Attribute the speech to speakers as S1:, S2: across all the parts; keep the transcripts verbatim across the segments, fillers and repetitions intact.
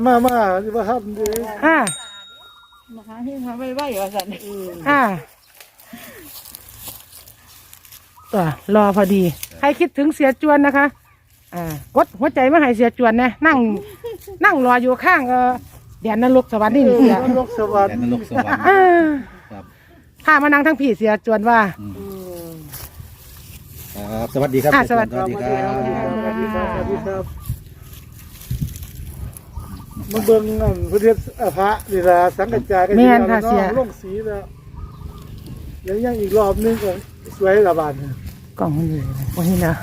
S1: มามาที่ว่าทำดี
S2: อ่า
S3: มาหาที่ทำไม่ไหวว่าสัน
S2: อ่าตัวรอพอดีใครคิดถึงเสียจวนนะคะอ่ากดหัวใจมาให้เสียจวนนะนั่งนั่งรออยู่ข้างเออแดนนรกสวรรค์นี่เสีย
S1: นรกสวรรค์
S4: แดนนรกสวรรค์ครับ
S2: ข้ามานั่งทั้งพี่เสียจวนว่า
S4: ครับสวัสดีครับ
S2: สวัสดีครับ
S1: สวัสดีครับสวัสดีครับมาเบิ่งอันพระเทศพระนี่ละสังกัจจายกันอยู่แล้วน้องลงสีแล้วยังยังอีกรอบนึงก็สวยระบาด
S2: กล่องมันอยู่วันนี้นะ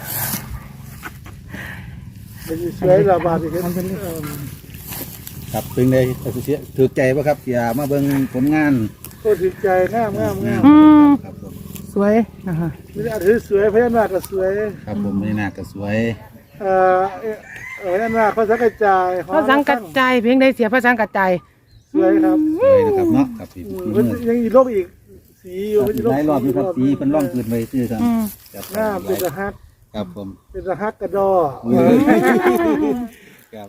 S1: มันสวยระบาดอีกครับ
S4: ครับเป็นไงถือใจป่ะครับอย่ามาเบิ่งผลงาน
S1: ก็ถือใจงามงามงาม
S4: ครับผม
S2: สวยนะคะ
S1: ไม่ได้ถือสวยพญานาคก็สวย
S4: ครับผมพญานาคก็สวย
S1: เอ่อเออนั่นว่าเขาสังกัจจาย
S2: เขาสังกัจจายเพียงใดเสียพระสังกัจจาย
S1: สวยครับ
S4: สวยนะครับเนาะครับพี่
S1: ยังอีกโลกอีกสีอยู่
S4: หลายรอบอยู่ครับสีเป็นร่องเกินไปซื้อครับ
S1: หน้าเป็นตะฮัก
S4: ครับผม
S1: เป็นตะฮักกระดอ
S4: ครับ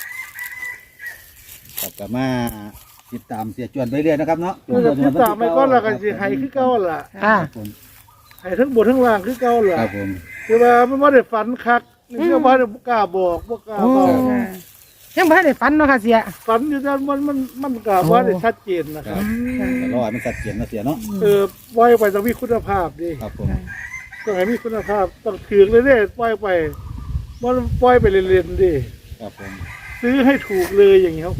S4: ครับกลับมาติดตามเสียจวนไปเรื่อยนะครับเนาะ
S1: ติดตามไม่ก้อนละกันสิไห้คือเก่าล่ะ
S2: อ่า
S1: ไห้ทั้งบนทั้งล่างคือเก่าล่ะ
S4: ครับผม
S1: คือว่าไม่ว่าได้ฝันคักนี่ก็บ่ได้กล้าบอกบ่กล้าบอก
S2: ยังไม่ได้ฝันเนาะค่ะเสีย
S1: ฝันอยู่แต่มันมันมันกล้าบ่ได้ชัดเจนนะครับ
S4: แต่รอให้มันชัดเจนนะเสียเนาะ
S1: เออปล่อยไปต้องมีคุณภาพดิ
S4: ครับผม
S1: ต้องให้มีคุณภาพต้องถือเลยเด้ปล่อยไปมันปล่อยไปเรียนๆดิ
S4: ครับผม
S1: ซื้อให้ถูกเลยอย่างนี้ครับ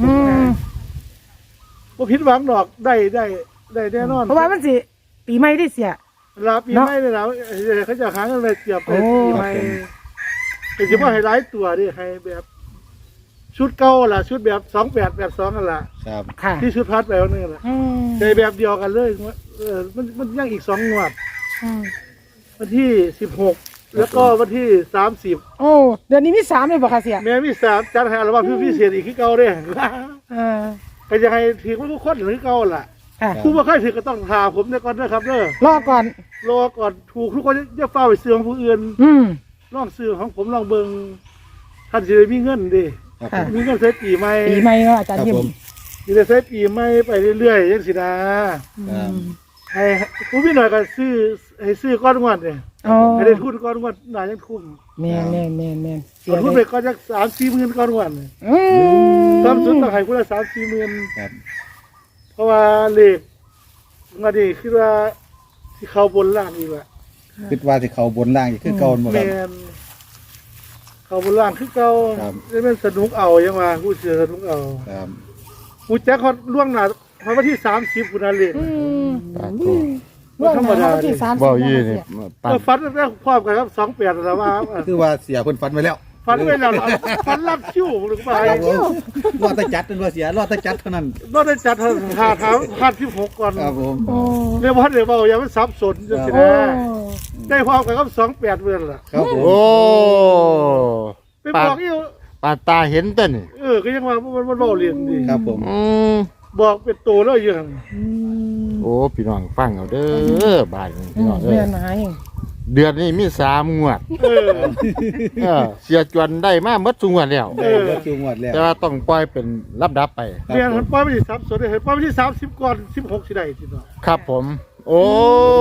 S1: ผมผิดหวังดอกได้ได้ได้แน่นอน
S2: เพราะว่ามันสิปีใหม่ที่เสีย
S1: ลาปีใหม่เลยแล้วเขาจะหาเงินเลยเจียบไปปีใหม่แต่จะว่าให้หลายตัวดิให้แบบชุดเก่าล่ะชุดแบบสองแปดแบบสองกันล่ะ
S4: ครับ
S1: ที่ชุดพัดแบบนึงล่ะในแบบเดียวกันเลยเออมันมันยังอีกสองงวดวันที่สิบหกแล้วก็วันที่สามสิบ
S2: โอ้เดือนนี้มีสามเลยบ่ค่ะเสีย
S1: แม่มีสามจัดให้อัลบั้มพิเศษอีกที่เก่าเด้ก็จะให้ถือว่าทุกคนหรือเก่าล่ะผู้ว่าใครถือก็ต้องถามผมในก่อนนะครับเด้อ
S2: รอก่อน
S1: รอก่อนถูกทุกคนจะเฝ้าไปเสื่อมผู้อื่นลองซื้อของผมลองเบิ่งท่านจะได้มีเงินดิมีเงินใช้ปีใหม่
S2: ปีใหม่เนาะอาจารย์ยิ้ม
S1: จะได้ใช้ปีใหม่ไปเรื่อยๆยังสินะให้ผู้พี่หน่อยก็ซื้อให้ซื้อก้อนงวดเนี่ยให้ได้ทุนก้อนงวดหน่ายังคุ้ม
S2: แม่แม่แม่แม่
S1: ทุนไปก้อนจักสามสี่หมื่นก้อนงวดทำสุดต้องให้คุณละสามสี่หมื่นเพราะว่าเลขมาดีคิดว่าที่เขาบนล่างอีกแหละ
S4: คิดว่าที่เขาบนล่างอีกคือเก่าหมดครับ
S1: เขาบนล่างคือเก่าได้เป็นสนุกเอายังมาผู้เสือสนุกเอาผู้แจ็คเขาล่วงหน้าเพราะว่าที่สามสิบคุณอาเล่
S2: ไม่ธรรมดาที่สามสิบ
S1: ยี่นี่ฟันได้ครอบกันครับสองแปดแล้วว่า
S4: คือว่าเสียคนฟันไปแล้ว
S1: ฟันไปแล้วฟันรับคิ้วหรือเปล่าร
S4: อดแต่จัดเป็นว่าเสียรอดแต่จัดเท่านั้น
S1: รอดแต่จัดเท่านั้นหาเท้าพันที่หกก่อน
S4: ครับผม
S1: เรียกว่าเดี๋ยวเบาอย่ามันซับสนจะสินะได้พร้อมกันครับสองแปดเมื่อล่ะ
S4: ครับผม
S5: โอ้
S1: ไปบอกอีก
S5: ปาตาเห็นต้น
S1: เออก็ยังว่ามันมันเบาเรียนดี
S4: ครับผม
S1: บอกเป็นโตแล้วยัง
S5: โอ้พี่น้องฟังเอาเด้อบ้านพี่น้องเด้อเดือนนี้มีสามงวดเสียจวนได้มาเมื่อสุงวดแล้วแต่ว่าต้องปล่อยเป็นรับดับไป
S1: เดือนมันปล่อยไปที่สามส่วนได้ปล่อยไปที่สามสิบก่อนสิบหกสิได้ทีเนาะ
S5: ครับผมโอ้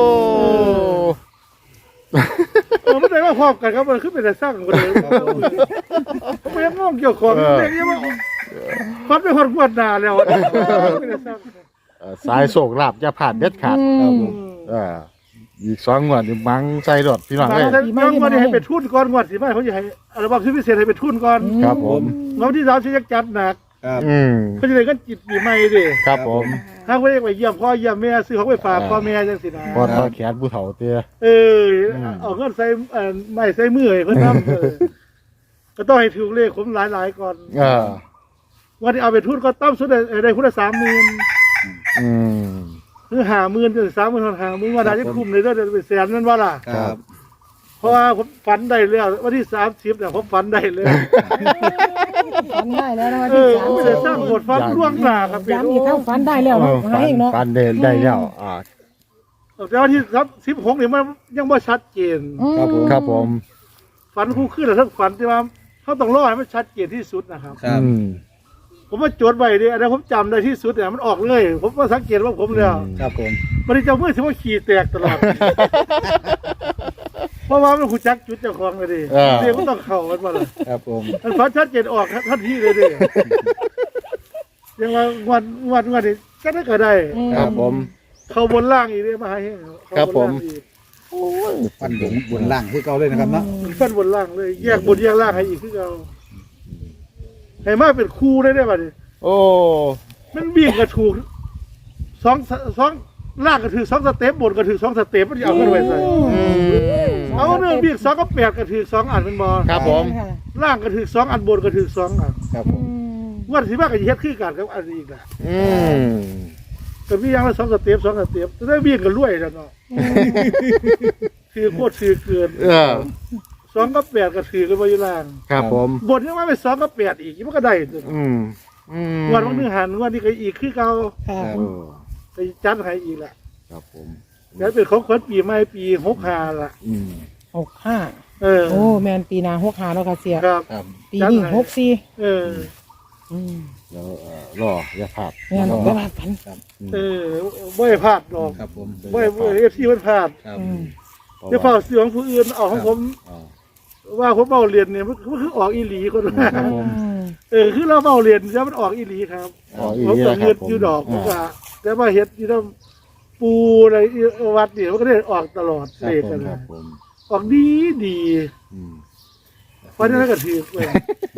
S1: เออไม่ได้ว่าพร้อมกันครับมันขึ้นเป็นแต่สร้างกันเลยไม่ยังงงเกี่ยวกับเรื่องนี้ว่าฟัดไปคนปวดหนาแล้ว
S5: สายโศกลาบจะผ่านเด็ดขาดอีกสองงวดมังใจรถพี่น้องเลย
S1: บางวันให้เป็นทุนก่อนงวดสิไม่เขาจะให้อัลบั้มพิเศษให้เป็นทุนก่อน
S5: ครับผม
S1: แล้วที่สามสิยักจัดหนักเขาจะได้กันจิตปีใหม่ดิ
S5: ครับผม
S1: ถ้าเขาเรียกว่าเยี่ยมพ่อเยี่ยมแม่ซื้อของไปฝากพ่อแม่จังสินะ
S5: พ่อพ่อแขนผู้เฒ่าเตี้ย
S1: เออเอาเงินใส่ไม่ใส่มือให้เขาทำก็ต้องให้ถูกเลขผมหลายๆก่อนวันที่เอาไปทุนก็ต้อมสุดได้พุทธสามหมื่นคือหาหมื่นจนสามหมื่นหาหมื่นว่าได้จะคุ้มเลยได้เป็นแสนนั่นว่าล่ะ
S4: ครับ
S1: เพราะว่าผมฝันได้แล้ววันที่สามสิบเนี่ยผมฝันได้เลย
S2: ฝันได้แล้ววันที่สาม
S1: ไม่ได้สร้างบทฝันล่วงหน้าครับ
S2: เป็นอีกทั้งฝันได้แล้ว
S5: ฝันฝันได้ได้แล้วอ่า
S1: แต่วันที่สิบหกเนี่ยมันยังไม่ชัดเจน
S5: ครับผมครับผม
S1: ฝันคู่ขึ้นแล้วทั้งฝันที่ว่าเขาต้องรอให้มันชัดเจนที่สุดนะครับ
S4: ครับ
S1: เผมมาจดไว้ดิอันนั้นผมจำได้ที่สุดเนี่ยมันออกเลย ผมก็สังเกตว่าผมแล้ว
S4: ครับผม
S1: มันจะมือถือว่าขี่แตกตลอด เพราะว่ามันหูจักจุดเจ้าของเลยดิเรียกก็ต้องเข่ามันมาเลย
S4: ครับผม
S1: มันฟันชัดเจนออกทันทีเลยดิยังว่าวันวันวันนี้ก็ได้ก็ได้
S5: ครับผม
S1: เขาบนล่างอีกเลยมาให้เขา
S5: ครับ
S1: บน
S5: ผม
S1: ล่างอีก
S4: ฟันหลงบนล่างคือเก่าเลยนะครับเนาะ
S1: ฟันบนล่างเลย แยกบนแยกล่างให้อีกคือเราให้มาเป็นคู่ได้ได้ป่ะดิ
S5: โอ้
S1: มันวิ่งกระถูกสองสองล่างก็ถือสองสเต็ปบนก็ถือสองสเต็ปมันจะเอาขึ้นไปใส่
S5: อืม
S1: เอาเรื่องวิ่งสองก็แปดก็ถือสองอันเป็นบอ
S5: ครับผม
S1: ล่างก็ถือสองอันบนก็ถือสองอัน
S4: ครับผม
S1: วันที่มากก็เฮ็ดคือกันกับอันนี้อีกนะ
S5: อืม
S1: ก็มีอย่างละสองสเต็ปสองสเต็ปจะได้วิ่งกันรวยแล้วเนาะถือโคตรถือเกิน
S5: เออ
S1: สองก็แปดก็ถือกันไปอยู่ล่าง
S5: ครับผม
S1: บนยังว่าไปสองก็แปดอีกมันก็ได้
S5: อืมอืม
S1: วันวันนึงหันวันนี้ก็อีกคือเก่า
S2: ค่ะ
S5: เออ
S1: ไปจัดให้อีกละ
S5: ครับผม
S1: แล้วเป็นของขวัญปีใหม่ปีหกห้าละ
S5: อืม
S2: หกห้า
S1: เออ
S2: โอ้แมนปีหนาหกห้าแล้วค่ะเสีย
S1: ครับ
S4: ครับ
S2: ปีนี้หกสี่
S1: เออ
S2: อืม
S5: แล้วเอ่อรออย่าพลาด
S2: แม่น
S5: รอ
S2: บ่ว่ากัน
S1: เออไม่ให้พลาดดอก
S4: ครับผม
S1: ไม่เอฟซีมันพลาด
S4: ครับ
S2: อืม
S1: เดี๋ยวเฝ้าเสียงผู้อื่นเอาของผม
S5: อ่า
S1: ว่าผมเบาเรียนเนี่ยมันมันคือออกอีหลีคนละ
S5: ครับผม
S1: เออคือเราเบาเรียนแล้วมันออกอีหลีครับ
S5: ออกอีหลี
S1: ผมก็
S5: นะครับ
S1: เงินอยู่ดอกผมก็แต่ว่าเฮ็ดที่ต้องปูอะไรวัดเนี่ยมันก็ได้ออกตลอด
S4: ครับ
S1: เลข
S4: ผม
S1: กัน
S5: ครั
S1: นะ
S5: บผม
S1: ออกดีดี
S5: อืม
S1: ฟันนั้นก็ถือเลย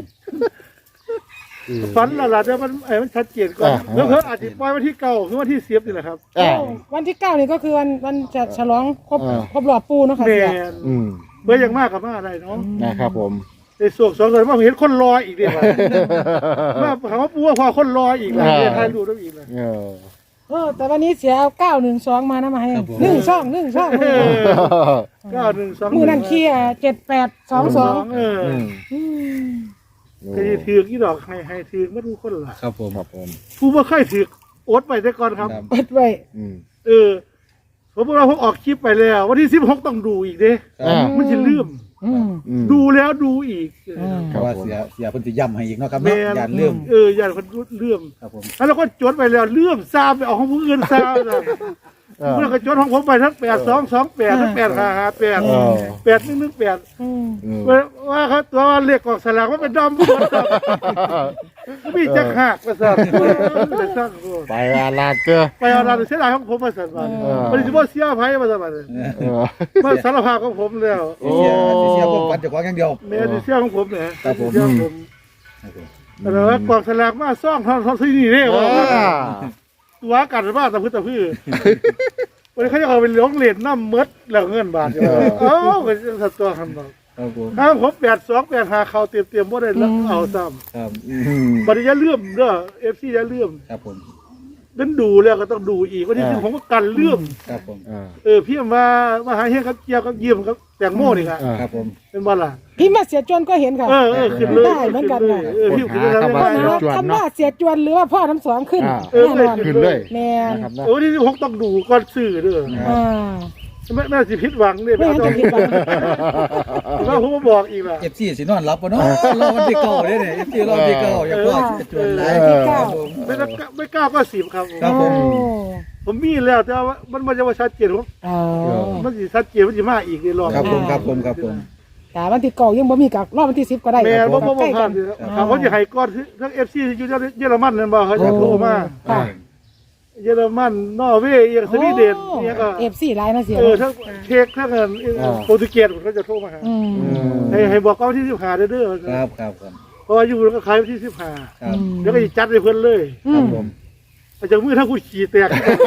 S1: ฟันละละแต่มันไอ้มันชัดเจนก่อนแล้วเพิ่นอาจจะปล่อยวันที่เก้าหรือวันที่สิบนี่แหละครับ
S5: อ่า
S2: วันที่เก้านี่ก็คือวันวันจะฉลองครบ
S5: อ่า
S2: ครบรอบปูเนาะค่ะ
S1: แม
S2: เสีย
S1: น
S5: อืม
S1: เบื่อยังมากกับมาอะไรเนาะ
S5: นะครับผม
S1: ในส่วนสองส่วนมาเห็นคนรออีกเดียวมาถามว่าปูว่าพอคนรออีกแล้วเนี่ยใครรู้ต้องอีกเลย
S5: เออ
S2: เออแต่วันนี้เสียเอาเก้าหนึ่งสองมานะมาให้หนึ่งช่องหนึ่งช่อง
S1: เก้าหนึ่งสอง
S2: มือนั่นเคียเจ็ดแปดสองสอง
S1: เออ
S5: อืม
S2: อืม
S1: เคยถือกอีดอกให้ให้ถือกมาดูคนละ
S4: ครับผม
S5: ครับผม
S1: ผู้ว่าเคยถือกอดไปได้ก่อนครับ
S4: ครับ
S2: เปิดไว้
S5: อืม
S1: เออผมบอกเราผมออกคลิปไปแล้ว วันที่สิบหกต้องดูอีกเด้
S5: อ่า
S1: มันจะลืม
S2: อืม
S5: อืม
S1: ดูแล้วดูอีก
S2: อืม
S4: เพราะว่าเสียเสียเพิ่นสิย้ำให้อีกเนาะครับ
S1: แม่
S4: เนาะ
S1: น
S4: อย่าลืม
S1: เอออย่าคนเลื่อม
S4: ครับผม
S1: แล้วเราก็จดไปแล้วเลื่อมซามไปเอาของผู้อื่นซามนะ
S5: เออ
S1: เมื่อก็จดของผมไปทั้งแปดสองสองแปดทั้งแปดห้าห้าแปด
S5: เออ
S1: แปดหนึ่งหนึ่งแปด
S2: อืม
S5: อืม
S1: ว่าเขาตัวเลขกองสลากว่าเป็นดอมผู้คนมีจักหักประสาทไปสร้างโลก
S5: ไปอาลาดเจอ
S1: ไปเอาเราเสียดายของผมมาสั่นมา
S5: เออ
S1: มันจะว่าเสียภัยมาสั่นมา
S5: เออ
S1: มาสารภาพของผมแล้ว
S5: โอ้
S4: เสียเสียความฝันเจ้าของอย่างเดียว
S1: แม่ดิเสียของผมเนี่ย
S4: ครับผม
S1: เสียของผม
S4: ครับผม
S1: แต่ว่ากองสลากมาซ่องทอนทอนที่นี่เนี่ยว่าตัวกันบ้าตะพื้นตะพื้นวันนี้เขาจะเอาไปเลี้ยงเหรียญน้ำเมดแล้วเงินบาทอยู่เอ้าก็จะตัวคันบอก
S4: ครับผม
S1: ข้างผมแปดสองแปดหาเขาเตรียมเตรียมว่าได้แล้วเอาซ้
S4: ครับ
S5: อืม
S1: ำบัดนี้อย่าเลื่อมเด้อเอฟซีอย่าเลื่อม
S4: ครับผม
S1: นั้นดูแล้วก็ต้องดูอีกวันนี้ผมก็กันเลื่อม
S4: ครับผม
S5: อ่า
S1: เออพี่มามาหาเฮียกับเกียวกับเยี่ยมกับแตงโมนี่ครับ
S5: อ่า
S4: ครับผม
S1: เป็นบ้าล่ะ
S2: พี่มาเสียจวนก็เห็นค่ะ
S1: เออเออขึ้นเลย
S2: ได้เหมือนกัน
S1: ขึ้เลยเออพี่ขึ้นเลย
S5: ค้นหา
S1: ได้
S5: คำว่า
S2: คำว่าเสียจวนหรือว่าพ่อทั้งสองขึ้น
S5: อ่า
S1: เออ
S2: แน่นอน
S5: ขึ้นเลย
S2: แม่น
S5: นะครับนะ
S1: โอ้ที่ผมต้องดูก่อนซื้อเด้อ
S2: อ่า
S1: ไม่ไม่สิผิดหวังเนี่ย
S2: ไม่งั้นจะผิดหวัง
S1: ว่าผมมาบอกอีกล่ะ
S4: เอฟซีสินอนหลับบ่เนาะรอวันที่เก้าเด้เนี่ยเอฟซีรอวันที่เก้าอย่าพ่อจะจวนหลาย
S2: วันที่เก้า
S4: ครับผม
S1: ไม่ต้องไม่กล้าก็สิบครับ
S4: ครับผม
S2: โอ้
S1: ผมมีแล้วแต่ว่ามันมันจะว่าชัดเจนผม
S2: อ๋อ
S1: มันสิชัดเจนมันจะมาอีกในรอบ
S4: ครับผมครับผมครับผม
S2: แต่วันที่เก้ายังบ่มีกับรอบวันที่สิบก็ได้
S1: แม่ว่าผม
S2: ใกล้
S1: ผ่า
S2: กัน น
S1: ครับเขาจะให้ก้อนทั้งเอฟซีอยู่เยอรมันนั่นบ่เขาจะโทรมา
S2: ค่ะ
S1: เยอรมันนอร์เวย์ยังสวีเดนเนี่ยก็
S2: เอฟซีไลน์นะเสีย
S1: เออทั้งเช็กทั้งเงินโปรตุเกสเขาจะโทรมาหา
S2: อืม
S1: ให้ให้บอกว่าวันที่สิบห้าเด้อ
S4: ครับครับครับ
S1: เพราะว่าอยู่แล้วก็ขายวันที่สิบห้า
S4: ครับ
S1: เดี๋ยวก็จะจัดให้เพิ่นเลย
S2: อื
S4: ครับ
S2: ม
S4: ผม
S1: อาจจะมือถ้ากูขี่แตก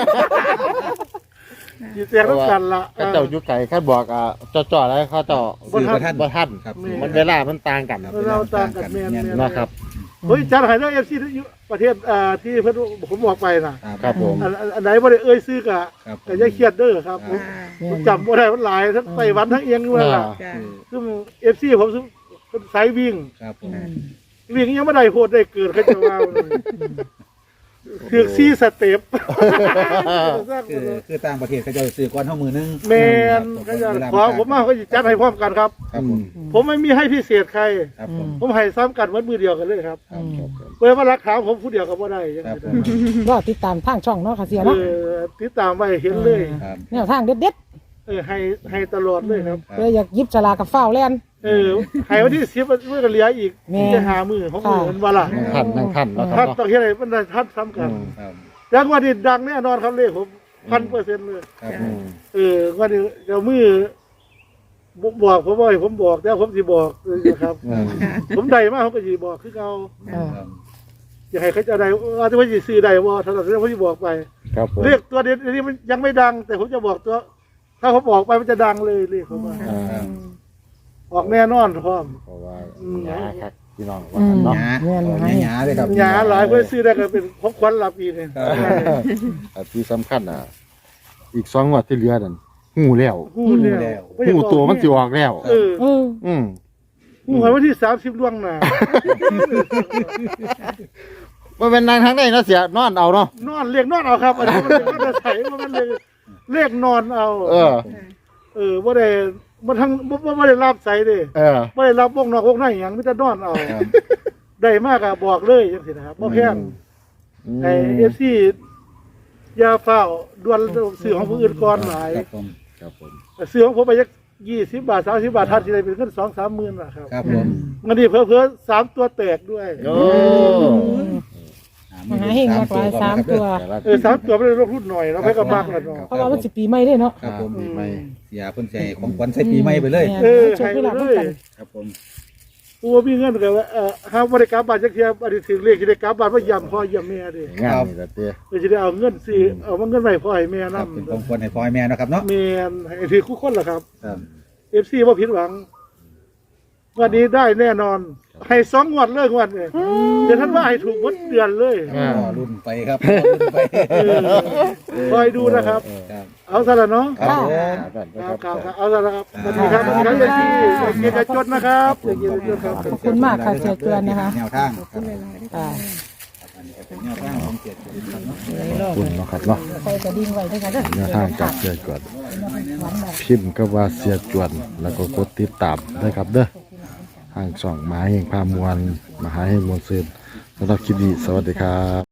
S1: ขี่แตกต้องกันละ
S5: ก็เจ้ายุคไก่ข้าบอกอ่ะจ่อๆอะไรเขาเจ้า
S1: บ่ทัน
S5: บ่ทัน
S4: ครับ
S5: มันเวลามันต่างกัน
S1: เราตามกันแม่น
S5: นะครับ
S1: เฮ้ยจัดให้ทั้งเอฟซีประเทศอ่าที่เพิ่นผมบอกไปน่ะ
S5: ครับผม
S1: อันอันไหนบ่ได้เอ่ยซื้อกะ
S4: ครับ
S1: ก็อย่าเครียดเด้อครับผมผมจำบ่ได้มันหลายทั้งไต้หวันทั้งเอียงด้วยล่ะ
S3: จ้า
S1: ซึ่ง เอฟ ซี ผมซึ่งเป็นสายวิ่ง
S4: ครับผม
S1: วิ่งยังไม่ได้โพดได้เกิดเขาจะว่าเลยถือซี่สเต็ป
S4: คือคือต่างประเทศเขาจะซื้อก้อนเท่ามือนึง
S1: แมนก็จะขอผมมาเขาจะจัดให้พร้อมกันครับ
S4: ครับผม
S1: ผมไม่มีให้พิเศษใคร
S4: ครับผม
S1: ผมให้ซ้ำกันวันมือเดียวกันเลยครับ
S4: ครับครับ
S1: เปิดมารักขาวผมผู้เดียวก็บ่ได้ยัง
S4: ครับ
S1: ไง
S4: ผม
S2: รอติดตามทางช่องเนาะค่ะเสีย
S1: เอ
S2: เนาะ
S1: อติดตามไว้เห็นเลย
S4: ครับ
S2: แนวทางเด็ด
S1: เออให้ให้ตลอดเลยครับ
S2: ๆเลยอยากหยิบฉลากกับฟ้าวแล่น
S1: เออให้วันที่สิบเมื่อกันเหลืออีก
S2: แม่
S1: จะหามือของมือมันว่าล่ะ
S5: นั่งทันนั่งทันแล้วค
S1: ท่า
S5: รั
S1: น
S5: บ
S1: ต้องเห็นอะไรมันได้ท่านซ้ำกัน
S4: ครับ
S1: ยังวันนี้ดังแน่นอนครับเลขผมพันเปอร์เซ็นต์เลย
S4: ครับ
S5: อืม
S1: เออวันนี้เดี๋ยวมือบอกผมว่าให้ผมบอกแล้วผมสิบอกเลยนะครับ
S5: อืม
S1: ผมได้มากผมก็สิบอกคือเขา
S2: เออ
S1: อยากให้เขาจะได้ว่าจะว่าจะซื้อได้ว่าถ้าเราซื้อผมจะบอกไป
S5: ครับผม
S1: เลขตัวเดียวนี้มันยังไม่ดัง แต่ผมจะบอกตัว ถ้าผมบอกไปมันจะดังเลยเลขผมว่า
S5: อ่า
S1: ออกแน่นอนพร้อม
S5: เพราะว่า
S1: อืม
S5: หยาครับพี่น้องว่า
S2: อื
S5: กัน
S2: ม
S5: เนาะ
S4: หยา
S2: แม่น
S4: โอ้
S2: ไหม
S4: หยาเลยครับ
S1: หยาหลายเพื่อซื้อได้ก็เป็นของขวัญรับปีเนี่ย
S5: แต่ที่สำคัญอ่ะ อีกสองงวดที่เหลือนั่นหูแล้ว
S1: หูแล้ว
S5: หูตัวมันสิออกแล้ว
S1: เออ
S2: เออ
S5: อืม
S1: หูวันที่สามสิบล่วงหน้า
S5: มันเป็นนางทางไหนเนาะเสียนอนเอาเนาะ
S1: นอนเรียกนอนเอาครับอันนี้มันเรียกนอนใส่มันเรียกเรียกนอนเอา
S5: เออ
S1: เออว่าได้มันทั้งว่าได้รับใส่เด้
S5: เออ
S1: ว่าได้รับวงนอกวงในอย่างไมแต่จะนอนเอา
S4: ครับ
S1: ได้มากอะบอกเลยจังสินะครับบ่แพงไอเอฟซียาเฝ้าดวนซื้อของผู้อื่นก่อนหลาย
S4: ครับผม
S5: ครับผม
S1: ซื้อของผมไปยักยี่สิบบาทสามสิบบาททันทีไรเป็นเงินสองสามหมื่นนะครับ
S4: ครับผม
S1: เงินนี้เพิ่มเพิ่มสามตัวแตกด้วย
S5: โอ้
S2: มหาเฮงมากกว่าสามตัว
S1: เออสามตัวไม่ได้ลงทุนหน่อยเราไปกับมากแล้วเนาะ
S2: เพราะว่ามันสิปีใหม่เด้เนาะ
S4: ครับผม
S5: ปีใหม่
S4: เสียคนใจของขวัญใส่ปีใหม่ไปเลย
S2: แม่นโชคเวลาเหมือนกัน
S4: ครับผม
S1: กูว่ามีเงินแต่ว่าเออห้ามบริการบาทจักเทียบอดีตถึงเลขที่ได้กลับบาทว่ายำพ่อยำแม่ดิ
S5: งานนี่ละเต้
S1: เพื่อจะได้เอาเงินสิเอามาเงินใหม่พ่อให้แม่
S4: ค
S1: นั่
S4: รับเป็นของขวัญให้พ่อให้แม่นะครับเนาะ
S1: แม่ให้ถือคู่คนเหรอครับ
S4: ครับ
S1: เอฟซีว่าผิดหวัง วันนี้ได้แน่นอน ให้สองงวดเลยงวดเนี่ยเดี๋ยวท่านว่าให้ถูกหมดเดือนเลย
S5: อ่า
S4: พ่อรุ่นไปครับพ่อรุ่นไป
S1: เออคอยดูนะครับ
S4: ครับ
S1: เอาซะละเนาะ
S4: ครับผม
S1: ครับครับครับเอาซะละครับสวัสดีครับสวัสดีครับเอฟซีเกียรติจดนะครับเกียรติจดครับ
S2: ขอบคุณมากค่ะเสียเตือนนะคะ
S4: แนวทางครับ
S2: อ่า
S4: อันนี้ก็เป็นแนวทางของเกียรติจดครับเนาะ
S5: ขอบคุณเนาะครับเนาะ
S2: ใส่กระดิ่งไว้ด้วยกันเด้อ
S5: แนวทางจากเสียจวนพิมพ์ก็ว่าเสียจวน แล้วก็กดติดตามด้วยครับเด้อทางช่องมหาเฮงพามวลมหาเฮงมวลซืนสำหรับคลิปนี้สวัสดีครับ